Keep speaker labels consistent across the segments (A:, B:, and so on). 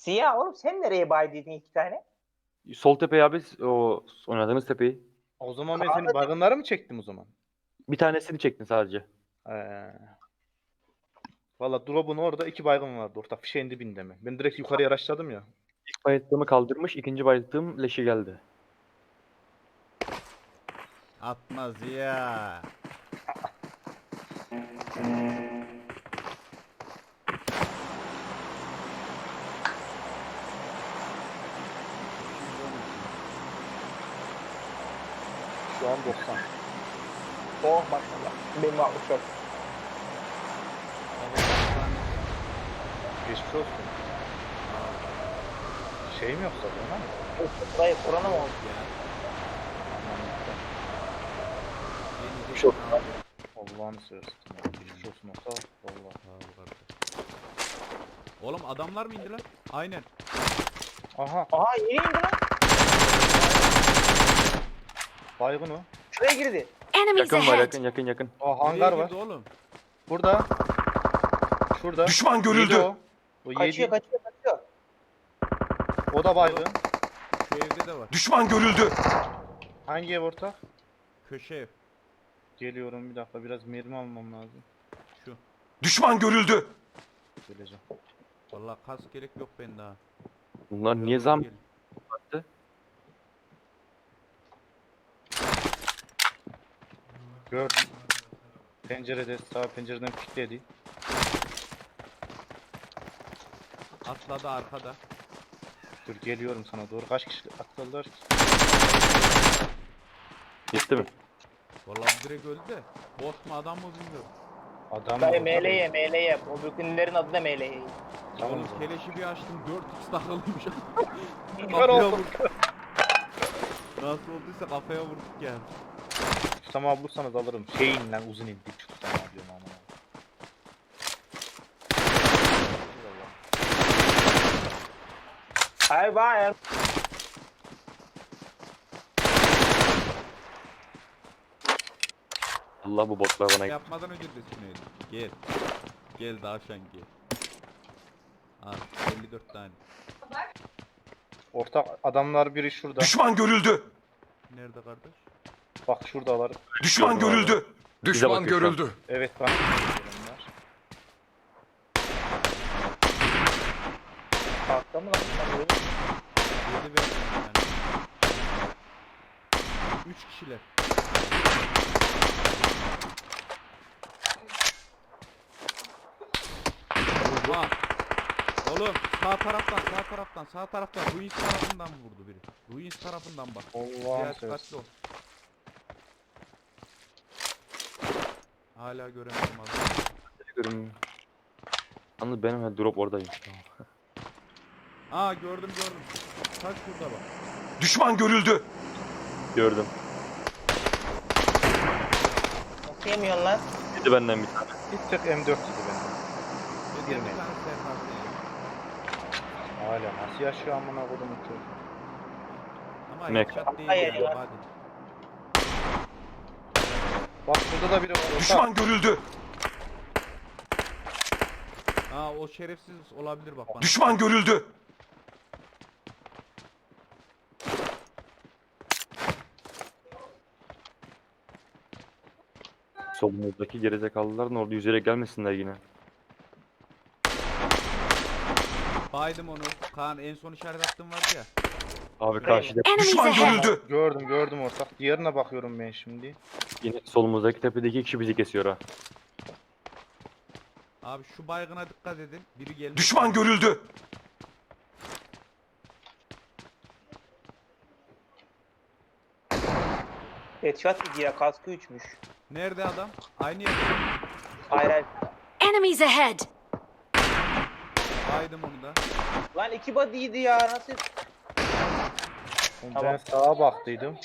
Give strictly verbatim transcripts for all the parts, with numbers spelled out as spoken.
A: Siyah oğlum sen nereye baydıydın iki tane?
B: Sol tepeyi abi, o oynadığınız tepeyi.
C: O zaman ben
A: Kaan'la
C: senin baygınları mı çektim o zaman?
B: Bir tanesini çektin sadece.
C: Ee. Valla drop'un orada iki baygın vardı orta fişeğin dibinde mi? Ben direkt yukarıya araçladım ya.
B: İlk bayıldığımı kaldırmış, ikinci bayıldığım leşi geldi.
D: Atmaz ya.
C: Şu an doksan.
A: Oh maşallah. Benim altmış yok.
C: Geçmiş olsun. Şey mi yoksa bu lan?
A: Burayı kurana mı oldu?
B: Çok.
C: Allah'ını seversen. Geçmiş olsun orta. Valla.
D: Oğlum adamlar mı indi lan? Aynen.
C: Aha
A: Aha yeni indi lan.
C: baygın o.
A: Şuraya girdi.
E: Enemies
B: Yakın var,
E: ahead!
B: yakın yakın yakın.
C: Aa hangar
D: Nereye
C: var.
D: girdi oğlum?
C: Burada. Şurada.
F: Düşman görüldü.
C: Yedi o. O
A: Kaçıyor
C: yedi.
A: kaçıyor kaçıyor.
C: O da baygın.
D: Şu evde de var.
F: Düşman görüldü.
C: Hangi ev ortak?
D: Köşe ev.
C: Geliyorum bir dakika biraz mermi almam lazım.
D: Şu.
F: Düşman görüldü.
C: Geleceğim.
D: Vallahi kas gerek yok bende ha.
B: Bunlar niye zam
D: Gel.
B: yaptı?
C: Gördüm. Pencerede sağ pencereden kilitledi.
D: Atladı arkada.
C: Dur geliyorum sana doğru. Kaç kişi atladılar ki?
B: Gitti mi?
D: Vallahi direkt öldü de. Bot mu adam mı bilmiyorum.
C: Adam
A: Dayı
C: orada.
A: M L Y M L Y. O bükünlerin adı da M L Y.
C: Tamam.
D: Oğlum keleşi bir açtım dört x takılıymış.
C: Kör
D: Kafaya
C: oldum.
D: vurduk. Nasıl olduysa kafaya vurduk yani.
C: Tutam abi bulursanız alırım. Şeyin lan uzun indi. Tutam abi diyorum ama.
A: Hayır hayır.
B: Allah bu botlar bana gitti.
D: Yapmadan önce de düşünelim. Gel. Gel Davşan gel. Al elli dört tane.
C: Ortak adamlar biri şurada.
F: Düşman görüldü.
D: Nerede kardeş?
C: Bak şuradalar.
F: Düşman
B: Gördüm abi.
F: görüldü.
B: Bize
F: Düşman
B: bakıyor şu an.
F: görüldü.
C: Evet bana adamlar.
A: Kalktı mı lan? Ben böyle-
D: Yedi verdim yani. Üç kişiler. Oha. Oğlum sağ taraftan sağ taraftan sağ taraftan Ruins tarafından vurdu biri. Ruins tarafından bak.
C: Allah'ım
D: Diğer
C: seversen.
D: dikkatli ol. Hala göremedim adamı.
B: Görüm. Yalnız benim ha, drop oradayım.
D: Aa gördüm gördüm. Kaç şurada bak.
F: Düşman görüldü.
B: Gördüm.
A: Nasıl yemiyorsun lan?
B: Gitti benden bir tane.
C: Bir tek M dört idi bende.
D: Bir de
C: Girme.
D: bir tane serhat yani.
C: Hala nasıl yaşıyor amına kodumun çocuğu.
D: Ama
B: Mek.
D: headshot değil
A: Hayır
D: ya.
A: ya.
D: Hadi.
C: Bak şurada da biri var. Ortak.
F: Düşman görüldü.
D: Aa o şerefsiz olabilir bak bana.
F: Düşman görüldü.
B: Solumuzdaki gerizekalılar ne oldu? Yüzerek gelmesinler yine.
D: Baydım onu. Kaan en son işaret attığım vardı ya.
B: Abi karşıda
E: Enemies
F: Düşman
E: ahead!
F: görüldü.
C: Gördüm gördüm ortak. Diğerine bakıyorum ben şimdi.
B: yine solumuzdaki tepedeki iki kişi bizi kesiyor ha.
D: Abi şu baygına dikkat edin. Biri gelmiş.
F: Düşman görüldü.
A: Headshot gidiyor ya. Kaskı üçmüş.
D: Nerede adam? Aynı yerde.
A: Hayır hayır.
E: Enemies ahead!
D: Baydım onu da.
A: Lan iki body'ydi ya. Nasıl?
C: Ben
A: Tamam.
C: sağa baktıydım.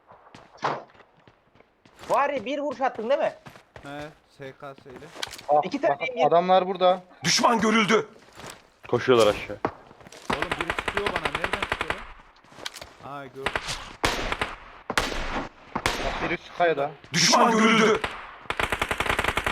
A: Var ya bir vuruş attın değil mi?
D: He S K S ile.
C: Ah,
A: İki
C: bak,
A: tane bir-
C: adamlar burada.
F: Düşman görüldü.
B: Koşuyorlar aşağı.
D: Oğlum biri sıkıyor bana. Nereden sıkıyor lan? Aa gördüm.
C: Bak biri şu kayada.
F: Düşman görüldü.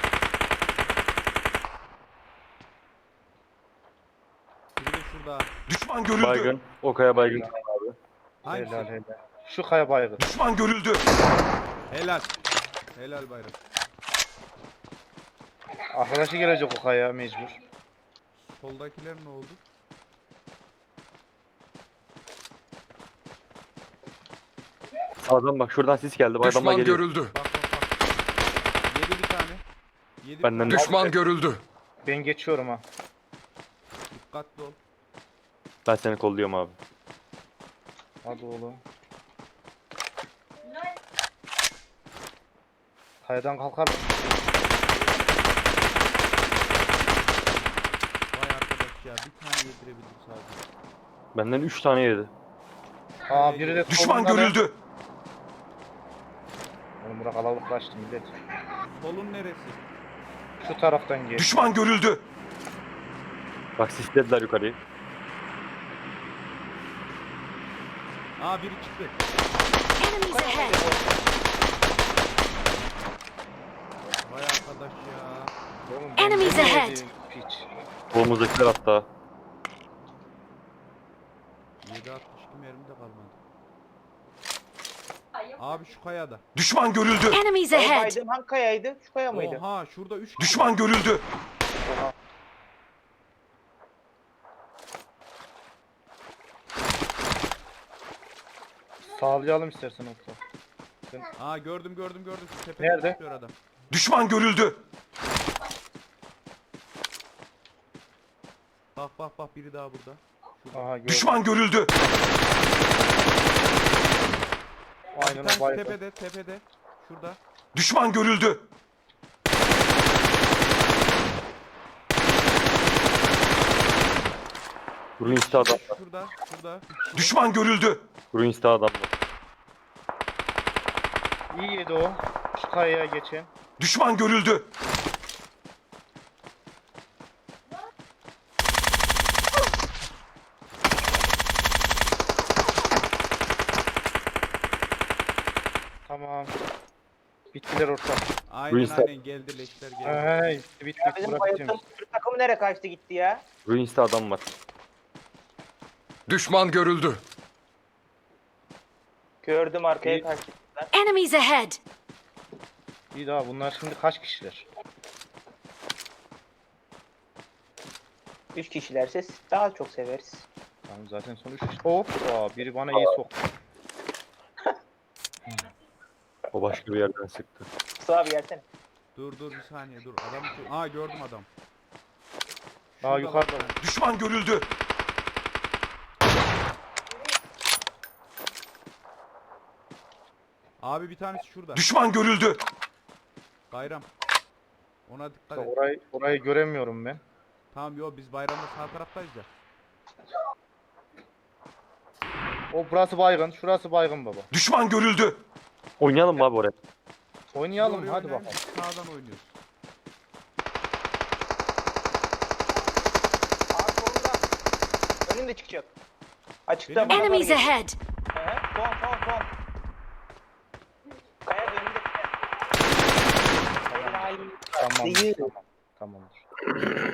D: Biri de şurada.
F: Düşman görüldü.
B: Baygın. O kaya baygın.
D: Hangisi?
C: Helal helal. Şu kaya baygın.
F: Düşman görüldü.
D: Helal. Helal bayram.
C: Arkadaşı gelecek o kaya mecbur.
D: Soldakiler ne oldu?
B: Sağdan bak şuradan sis geldi. Bu adamlar
F: Düşman
B: geliyor.
F: görüldü.
D: Bak bak bak. Yedi bir tane. Yedi
B: Benden
D: bir tane.
F: Düşman görüldü.
C: Ben geçiyorum ha.
D: Dikkatli ol.
B: Ben seni kolluyorum abi.
C: Hadi oğlum. Kayadan kalkar.
D: Vay arkadaş ya bir tane yedirebildim sadece.
B: Benden üç tane yedi.
C: Aa biri de
F: Düşman
C: solunda da-
F: görüldü.
C: Oğlum bırak alalıklaştı millet.
D: Solun neresi?
C: Şu taraftan geç.
F: Düşman görüldü.
B: Bak sislediler yukarıyı.
D: Aa biri çıktı.
E: Enemies ahead!
D: Vay arkadaş ya.
C: Oğlum ben
E: Enemies
C: ne
E: ahead.
C: yedim, Piç.
B: Solumuzdakiler hatta.
D: yedi altmış iki mermi de kalmadı. Abi şu kayada.
F: Düşman görüldü.
E: Enemies
A: Ben
E: ahead!
A: baydım, hangi kayaydı? Şu kaya mıydı?
D: Oha şurada üç kişi.
F: Düşman görüldü.
C: Sağlayalım istersen orta.
D: Aa gördüm gördüm gördüm. Şu tepede
C: Nerede?
D: çıkıyor adam.
F: Düşman görüldü.
D: Bak bak bak biri daha burada.
C: Aha gördüm.
F: Düşman görüldü.
D: Bir
C: Aynen o
D: tanesi
C: baygın.
D: tepede tepede. Şurada.
F: Düşman görüldü.
B: Ruins'te adam var.
D: Şurada şurada.
F: Düşman görüldü.
B: Ruins'te adam var.
C: İyi yedi o. Şu kayaya geçen.
F: Düşman görüldü.
C: Tamam. Bittiler orta.
D: Aynen
B: Ruins'te-
D: aynen geldi leşler geldi.
C: Hey, bitti
A: Ya
C: bitti.
A: bizim
C: Bura
A: bayıldığımız
C: bitti.
A: Türk takımı nereye kaçtı gitti ya?
B: Ruins'te adam var.
F: Düşman görüldü.
A: Gördüm arkaya
C: İyi.
A: kaçtı.
E: Enemies ahead!
C: İyi daha bunlar şimdi kaç kişiler?
A: Üç kişilerse daha çok severiz.
C: Tamam zaten son üç kişi. Hop. Aa, biri bana iyi soktu.
B: O başka bir yerden sıktı.
A: Sağ bir yersene.
D: Dur dur bir saniye dur. Adam Aa gördüm adam.
C: Daha
D: Şurada
C: yukarıda.
D: bak.
F: Düşman görüldü.
D: Abi bir tanesi şurada.
F: Düşman görüldü.
D: Bayram. Ona dikkat et.
C: Orayı, orayı göremiyorum ben.
D: Tamam yo biz bayramda sağ taraftayız ya.
C: O burası baygın. Şurası baygın baba.
F: Düşman görüldü.
B: Oynayalım mı abi oraya?
C: Oynayalım
D: Oraya
C: hadi
D: oynayalım,
C: bakalım.
D: biz Sağdan oynuyoruz.
A: Abi solunda. Önünde çıkacak. Açıkta
D: Benim-
A: bana doğru
E: Enemies
A: geliyor.
E: ahead!
A: Hı hı. Son son son. Kaya önünde. Helal.
C: Tamam.
A: İyi.
C: Tamam. Tamamdır.